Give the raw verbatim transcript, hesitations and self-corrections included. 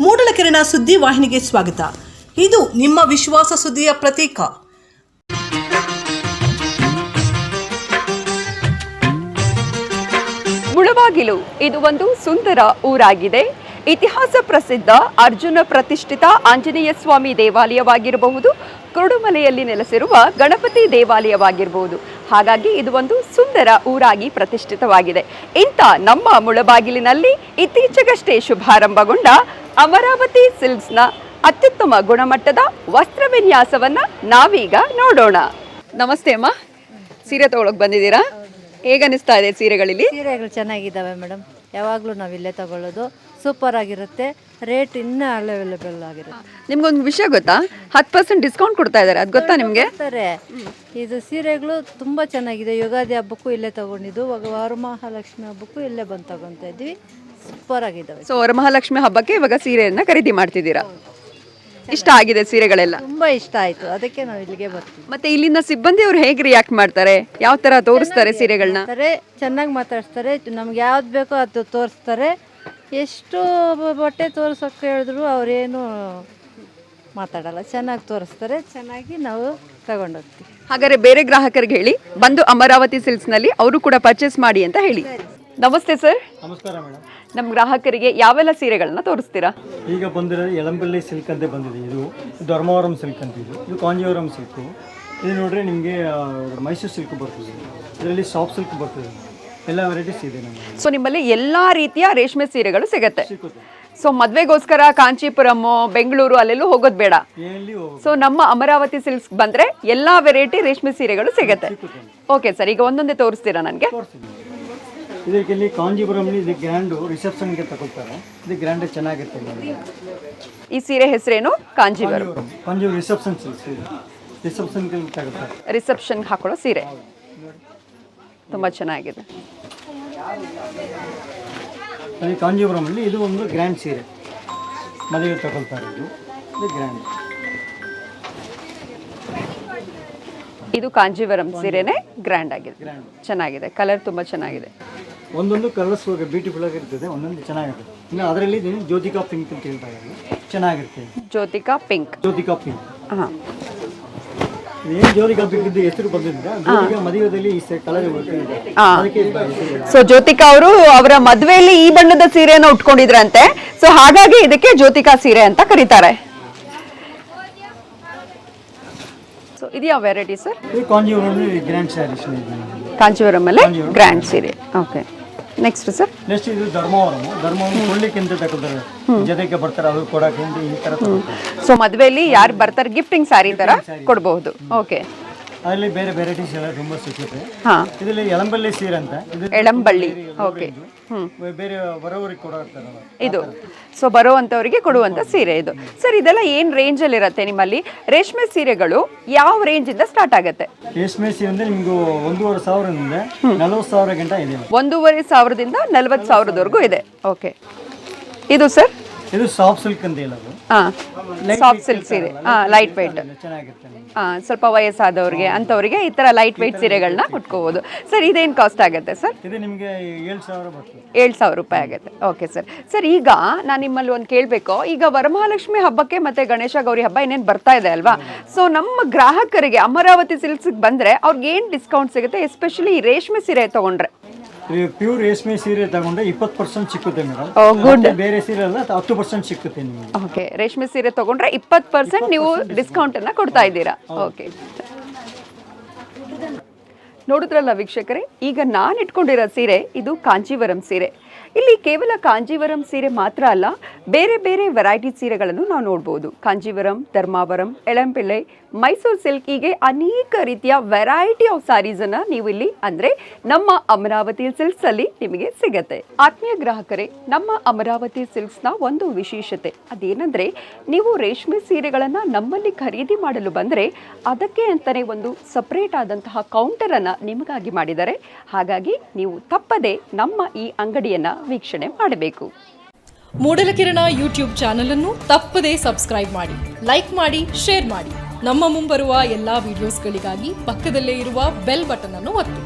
ಮೂಡಲಕೆರೆನ ಸುದ್ದಿ ವಾಹಿನಿಗೆ ಸ್ವಾಗತ. ಇದು ನಿಮ್ಮ ವಿಶ್ವಾಸ ಸುದ್ದಿಯ ಪ್ರತೀಕ. ಮುಳಬಾಗಿಲು ಇದು ಒಂದು ಸುಂದರ ಊರಾಗಿದೆ. ಇತಿಹಾಸ ಪ್ರಸಿದ್ಧ ಅರ್ಜುನ ಪ್ರತಿಷ್ಠಿತ ಆಂಜನೇಯ ಸ್ವಾಮಿ ದೇವಾಲಯವಾಗಿರಬಹುದು, ಕುರುಡುಮಲೆಯಲ್ಲಿ ನೆಲೆಸಿರುವ ಗಣಪತಿ ದೇವಾಲಯವಾಗಿರಬಹುದು. ಹಾಗಾಗಿ ಇದು ಒಂದು ಸುಂದರ ಊರಾಗಿ ಪ್ರತಿಷ್ಠಿತವಾಗಿದೆ. ಇಂಥ ನಮ್ಮ ಮುಳಬಾಗಿಲಿನಲ್ಲಿ ಇತ್ತೀಚೆಗಷ್ಟೇ ಶುಭಾರಂಭಗೊಂಡ ಅಮರಾವತಿ ಸಿಲ್ಕ್ಸ್ನ ಅತ್ಯುತ್ತಮ ಗುಣಮಟ್ಟದ ವಸ್ತ್ರ ವಿನ್ಯಾಸವನ್ನ ನಾವೀಗ ನೋಡೋಣ. ನಮಸ್ತೆ ಅಮ್ಮ, ಸೀರೆ ತಗೊಳಕ್ ಬಂದಿದ್ದೀರಾ? ಹೇಗನ್ನಿಸ್ತಾ ಇದೆ ಸೀರೆಗಳಲ್ಲಿ? ಸೀರೆಗಳು ಚೆನ್ನಾಗಿದ್ದಾವೆ ಮೇಡಮ್, ಯಾವಾಗಲೂ ನಾವು ಇಲ್ಲೇ ತಗೊಳ್ಳೋದು. ಸೂಪರ್ ಆಗಿರುತ್ತೆ, ರೇಟ್ ಇನ್ನೂ ಅವೈಲೇಬಲ್ ಆಗಿರುತ್ತೆ. ನಿಮ್ಗೊಂದು ವಿಷಯ ಗೊತ್ತಾ? ಹತ್ತು ಪರ್ಸೆಂಟ್ ಡಿಸ್ಕೌಂಟ್ ಕೊಡ್ತಾ ಇದ್ದಾರೆ, ಅದು ಗೊತ್ತಾ ನಿಮಗೆ? ಇದು ಸೀರೆಗಳು ತುಂಬ ಚೆನ್ನಾಗಿದೆ. ಯುಗಾದಿ ಹಬ್ಬಕ್ಕೂ ಇಲ್ಲೇ ತಗೊಂಡಿದ್ದು, ವರಮಹಾಲಕ್ಷ್ಮಿ ಹಬ್ಬಕ್ಕೂ ಇಲ್ಲೇ ಬಂದು ತಗೊತಾ ಇದ್ವಿ. ಸೂಪರ್ ಆಗಿದ್ದಾವೆ. ಸೊ ವರಮಹಾಲಕ್ಷ್ಮಿ ಹಬ್ಬಕ್ಕೆ ಇವಾಗ ಸೀರೆಯನ್ನ ಖರೀದಿ ಮಾಡ್ತಿದ್ದೀರಾ? ಇಷ್ಟ ಆಗಿದೆ ಸೀರೆಗಳೆಲ್ಲ? ತುಂಬಾ ಇಷ್ಟ ಆಯ್ತು, ಅದಕ್ಕೆ ನಾವು ಇಲ್ಲಿಗೆ ಬರ್ತೀವಿ. ಮತ್ತೆ ಇಲ್ಲಿನ ಸಿಬ್ಬಂದಿ ಅವ್ರು ಹೇಗೆ ರಿಯಾಕ್ಟ್ ಮಾಡ್ತಾರೆ? ಯಾವ ತರ ತೋರಿಸ್ತಾರೆ ಸೀರೆಗಳನ್ನ? ಚೆನ್ನಾಗಿ ಮಾತಾಡ್ತಾರೆ, ನಮ್ಗೆ ಯಾವ್ದು ಬೇಕೋ ಅದು ತೋರಿಸ್ತಾರೆ. ಎಷ್ಟು ಬಟ್ಟೆ ತೋರ್ಸೋಕೆ ಹೇಳಿದ್ರು ಅವ್ರೇನು ಮಾತಾಡಲ್ಲ, ಚೆನ್ನಾಗಿ ತೋರಿಸ್ತಾರೆ. ಚೆನ್ನಾಗಿ ನಾವು ತಗೊಂಡೋಗ್ತೀವಿ. ಹಾಗಾದ್ರೆ ಬೇರೆ ಗ್ರಾಹಕರಿಗೆ ಹೇಳಿ ಬಂದು ಅಮರಾವತಿ ಸಿಲ್ಕ್ಸ್ ನಲ್ಲಿ ಅವರು ಕೂಡ ಪರ್ಚೇಸ್ ಮಾಡಿ ಅಂತ ಹೇಳಿ. ನಮಸ್ತೆ ಸರ್. ನಮಸ್ಕಾರ ಮೇಡಮ್. ನಮ್ಮ ಗ್ರಾಹಕರಿಗೆ ಯಾವೆಲ್ಲ ಸೀರೆಗಳನ್ನ ತೋರಿಸ್ತೀರಾ? ಈಗ ಬಂದಿರೋದು ಎಳಂಬಳ್ಳಿ ಸಿಲ್ಕ್ ಅಂತ ಬಂದಿದೆ. ಇದು ಧರ್ಮವರಂ ಸಿಲ್ಕ್ ಅಂತ, ಇದು ಇದು ಕಾಂಜೀವರಂ ಸಿಲ್ಕು. ಇದು ನೋಡ್ರೆ ನಿಮಗೆ ಮೈಸೂರು ಸಿಲ್ಕ್ ಬರ್ತದೆ, ಇದರಲ್ಲಿ ಸಾಫ್ಟ್ ಸಿಲ್ಕ್ ಬರ್ತದೆ, ಎಲ್ಲ ವೆರೈಟೀಸ್ ಇದೆ ನಮಗೆ. ಸೊ ನಿಮ್ಮಲ್ಲಿ ಎಲ್ಲಾ ರೀತಿಯ ರೇಷ್ಮೆ ಸೀರೆಗಳು ಸಿಗುತ್ತೆ. ಸೊ ಮದ್ವೆಗೋಸ್ಕರ ಕಾಂಚೀಪುರಂ, ಬೆಂಗಳೂರು ಅಲ್ಲೆಲ್ಲೂ ಹೋಗೋದು ಬೇಡ. ಸೊ ನಮ್ಮ ಅಮರಾವತಿ ಸಿಲ್ಕ್ಸ್ ಬಂದ್ರೆ ಎಲ್ಲಾ ವೆರೈಟಿ ರೇಷ್ಮೆ ಸೀರೆಗಳು ಸಿಗುತ್ತೆ. ಓಕೆ ಸರ್, ಈಗ ಒಂದೊಂದೇ ತೋರಿಸ್ತೀರಾ ನನಗೆ? ಇದಕ್ಕೆ ಕಾಂಜೀಪುರಂ ಇದು ಗ್ರ್ಯಾಂಡು ರಿಸೆಪ್ಷನ್ಗೆ ತಗೊಳ್ತಾರೆ. ಇದು ಗ್ರ್ಯಾಂಡ್ ಚೆನ್ನಾಗಿರ್ತದೆ. ಈ ಸೀರೆ ಹೆಸರೇನು? ಕಾಂಜೀವರಂ. ಕಾಂಜೀವರಂ ರಿಸೆಪ್ಷನ್ ಸಿಲ್ಕ್, ರಿಸೆಪ್ಷನ್ಗೆ ತಗೊಳ್ತಾರೆ. ರಿಸೆಪ್ಷನ್ ಹಾಕೊಳ್ಳೋ ಸೀರೆ ತುಂಬಾ ಚೆನ್ನಾಗಿದೆ. ಅದೇ ಕಾಂಜೀವರಮಲ್ಲಿ ಇದು ಒಂದು ಗ್ರ್ಯಾಂಡ್ ಸೀರೆ, ಮದುವೆ ತಗೊಳ್ತಾರೆ. ಇದು ಇದು ಗ್ರ್ಯಾಂಡ್. ಇದು ಕಾಂಜೀವರಂ ಸೀರೆನೇ ಗ್ರ್ಯಾಂಡ್ ಆಗಿದೆ, ಚೆನ್ನಾಗಿದೆ. ಕಲರ್ ತುಂಬಾ ಚೆನ್ನಾಗಿದೆ. ಒಂದೊಂದು ಕಲರ್ಸ್ ಬ್ಯೂಟಿಫುಲ್ ಆಗಿರ್ತದೆ, ಒಂದೊಂದು ಚೆನ್ನಾಗಿರುತ್ತೆ. ಇನ್ನು ಅದರಲ್ಲಿ ಜ್ಯೋತಿಕಾ ಪಿಂಕ್ ಅಂತ ಹೇಳ್ತಾ ಇದ್ದಾರೆ, ಚೆನ್ನಾಗಿರ್ತದೆ. ಜ್ಯೋತಿಕಾ ಪಿಂಕ್. ಜ್ಯೋತಿಕಾ ಪಿಂಕ್. ಹಾಂ, ಏನು ಜ್ಯೋತಿಕಾ ಪಿಂಕ್ ಇದ್ದು ಹೆಸರು ಬಂದಿದ್ದೆ, ಜ್ಯೋತಿಕಾ ಮದುವೆಯಲ್ಲಿ ಈ ಕಲರ್ ಅದಕ್ಕೆ. ಸೊ ಜ್ಯೋತಿಕಾ ಅವರು ಅವರ ಮದುವೆಯಲ್ಲಿ ಈ ಬಣ್ಣದ ಸೀರೆಯನ್ನು ಉಟ್ಕೊಂಡಿದ್ರಂತೆ. ಸೊ ಹಾಗಾಗಿ ಇದಕ್ಕೆ ಜ್ಯೋತಿಕಾ ಸೀರೆ ಅಂತ ಕರೀತಾರೆ. ಸೊ ಇದು ಯಾವ variety sir? Kanjeevaram grand sarees. Kanjeevaram ಅಲ್ಲೇ ಗ್ರ್ಯಾಂಡ್ ಸೀರೆ. Okay, next sir? ನೆಕ್ಸ್ಟ್ ಇದು ಧರ್ಮವರಂ. ಧರ್ಮವರಂ ಕೊಳ್ಳಿಕ್ಕೆ ಅಂತ ತಗೊಳ್ತಾರೆ, ಜೊತೆಗೆ ಬರ್ತಾರೆ ಅವ್ರು ಕೊಡಕ್ಕೆ ಈ ತರ. ಸೊ ಮದುವೆಯಲ್ಲಿ ಯಾರು ಬರ್ತಾರೆ ಗಿಫ್ಟಿಂಗ್ ಸ್ಯಾರಿ ತರ ಕೊಡಬಹುದು. ಓಕೆ, ಅದರಲ್ಲಿ ಬೇರೆ ವೆರೈಟೀಸ್ ಎಲ್ಲ ತುಂಬಾ ಸಿಗುತ್ತೆ. ಹಾ, ಇದರಲ್ಲಿ ಎಳಂಬಳ್ಳಿ ಸೀರೆ ಅಂತ. ಎಳಂಬಳ್ಳಿ. ಓಕೆ, ಹ್ಮ್, ಬೇರೆ ಬರೋರಿಗೆ ಕೊಡ್ತಾರಲ್ಲ ಇದು. ಸೊ ಬರುವಂತವರಿಗೆ ಕೊಡುವಂತ ಸೀರೆ ಇದು. ಸರ್ ಇದೆಲ್ಲ ಏನ್ ರೇಂಜ್ ಅಲ್ಲಿ ಇರುತ್ತೆ ನಿಮ್ಮಲ್ಲಿ? ರೇಷ್ಮೆ ಸೀರೆಗಳು ಯಾವ ರೇಂಜ್ ಇಂದ ಸ್ಟಾರ್ಟ್ ಆಗುತ್ತೆ? ರೇಷ್ಮೆ ಸೀರೆ ಅಂದ್ರೆ ನಿಮ್ಗೆ ಒಂದೂವರೆ ಸಾವಿರದಿಂದ ನಲವತ್ತು ಸಾವಿರ ಗಂಟ ಇದೆ. ಒಂದೂವರೆ ಸಾವಿರದಿಂದ ನಲವತ್ತು ಸಾವಿರದವರೆಗೂ ಇದೆ. ಓಕೆ, ಇದು ಸರ್? ಇದು ಸಾಫ್ಟ್ ಸಿಲ್ಕ್ ಅಂತ ಹೇಳೋದು. ಹಾ, ಸಾಫ್ಟ್ ಸಿಲ್ಕ್ ಸೀರೆ. ಹಾ, ಲೈಟ್ ವೆಯ್ಟ್. ಚೆನ್ನಾಗಿರುತ್ತೆ. ಹಾ, ಸ್ವಲ್ಪ ವಯಸ್ಸಾದವ್ರಿಗೆ ಅಂತವರಿಗೆ ಈ ತರ ಲೈಟ್ ವೆಯ್ಟ್ ಸೀರೆಗಳನ್ನ ಉಟ್ಕೋಬಹುದು. ಸರ್ ಇದೇನ್ ಕಾಸ್ಟ್ ಆಗುತ್ತೆ ಸರ್? ಇದು ನಿಮಗೆ ಏಳು ಸಾವಿರ ಬರ್ತದೆ. ಏಳು ಸಾವಿರ ರೂಪಾಯಿ ಆಗುತ್ತೆ. Okay sir. ಸರ್ ಈಗ ನಾನು ನಿಮ್ಮಲ್ಲಿ ಒಂದು ಕೇಳಬೇಕು. ಈಗ ವರಮಹಾಲಕ್ಷ್ಮಿ ಹಬ್ಬಕ್ಕೆ ಮತ್ತೆ ಗಣೇಶ ಗೌರಿ ಹಬ್ಬ ಇನ್ನೇನು ಬರ್ತಾ ಇದೆ ಅಲ್ವಾ? ಸೊ ನಮ್ಮ ಗ್ರಾಹಕರಿಗೆ ಅಮರಾವತಿ ಸಿಲ್ಕ್ಸ್ ಬಂದ್ರೆ ಅವ್ರಿಗೆ ಏನ್ ಡಿಸ್ಕೌಂಟ್ ಸಿಗುತ್ತೆ, ಎಸ್ಪೆಷಲಿ ರೇಷ್ಮೆ ಸೀರೆ ತಗೊಂಡ್ರೆ? ಪ್ಯೂರ್ ರೇಷ್ಮೆ ಸೀರೆ ತಗೊಂಡ್ರೆ ಇಪ್ಪತ್ತು ಪರ್ಸೆಂಟ್ ಸಿಕ್ಕುತ್ತೆ ಮೇಡಮ್. ಗುಡ್. ಬೇರೆ ಸೀರೆ ಎಲ್ಲ ಹತ್ತು ಪರ್ಸೆಂಟ್ ಸಿಕ್ಕುತ್ತೆ ನಿಮಗೆ. ಓಕೆ, ರೇಷ್ಮೆ ಸೀರೆ ತಗೊಂಡ್ರೆ ಇಪ್ಪತ್ತು ಪರ್ಸೆಂಟ್ ನೀವು ಡಿಸ್ಕೌಂಟ್ ಅನ್ನ ಕೊಡ್ತಾ ಇದ್ದೀರಾ. ಓಕೆ, ನೋಡಿದ್ರಲ್ಲ ವೀಕ್ಷಕರೇ, ಈಗ ನಾನು ಇಟ್ಕೊಂಡಿರೋ ಸೀರೆ ಇದು ಕಾಂಜೀವರಂ ಸೀರೆ. ಇಲ್ಲಿ ಕೇವಲ ಕಾಂಜೀವರಂ ಸೀರೆ ಮಾತ್ರ ಅಲ್ಲ, ಬೇರೆ ಬೇರೆ ವೆರೈಟಿ ಸೀರೆಗಳನ್ನು ನಾವು ನೋಡ್ಬೋದು. ಕಾಂಜೀವರಂ, ಧರ್ಮಾವರಂ, ಎಳಂಪಿಳ್ಳಿ, ಮೈಸೂರು ಸಿಲ್ಕ್, ಹೀಗೆ ಅನೇಕ ರೀತಿಯ ವೆರೈಟಿ ಆಫ್ ಸ್ಯಾರೀಸನ್ನು ನೀವು ಇಲ್ಲಿ ಅಂದರೆ ನಮ್ಮ ಅಮರಾವತಿ ಸಿಲ್ಕ್ಸಲ್ಲಿ ನಿಮಗೆ ಸಿಗತ್ತೆ. ಆತ್ಮೀಯ ಗ್ರಾಹಕರೇ, ನಮ್ಮ ಅಮರಾವತಿ ಸಿಲ್ಕ್ಸ್ನ ಒಂದು ವಿಶೇಷತೆ ಅದೇನೆಂದರೆ, ನೀವು ರೇಷ್ಮೆ ಸೀರೆಗಳನ್ನು ನಮ್ಮಲ್ಲಿ ಖರೀದಿ ಮಾಡಲು ಬಂದರೆ ಅದಕ್ಕೆ ಅಂತಲೇ ಒಂದು ಸಪ್ರೇಟ್ ಆದಂತಹ ಕೌಂಟರನ್ನು ನಿಮಗಾಗಿ ಮಾಡಿದ್ದಾರೆ. ಹಾಗಾಗಿ ನೀವು ತಪ್ಪದೆ ನಮ್ಮ ಈ ಅಂಗಡಿಯನ್ನು ವೀಕ್ಷಣೆ ಮಾಡಬೇಕು. ಮೂಡಲಕಿರಣ ಯೂಟ್ಯೂಬ್ ಚಾನಲ್ ಅನ್ನು ತಪ್ಪದೇ ಸಬ್ಸ್ಕ್ರೈಬ್ ಮಾಡಿ, ಲೈಕ್ ಮಾಡಿ, ಶೇರ್ ಮಾಡಿ. ನಮ್ಮ ಮುಂಬರುವ ಎಲ್ಲಾ ವಿಡಿಯೋಸ್ಗಳಿಗಾಗಿ ಪಕ್ಕದಲ್ಲೇ ಇರುವ ಬೆಲ್ ಬಟನ್ ಅನ್ನು ಒತ್ತಿ.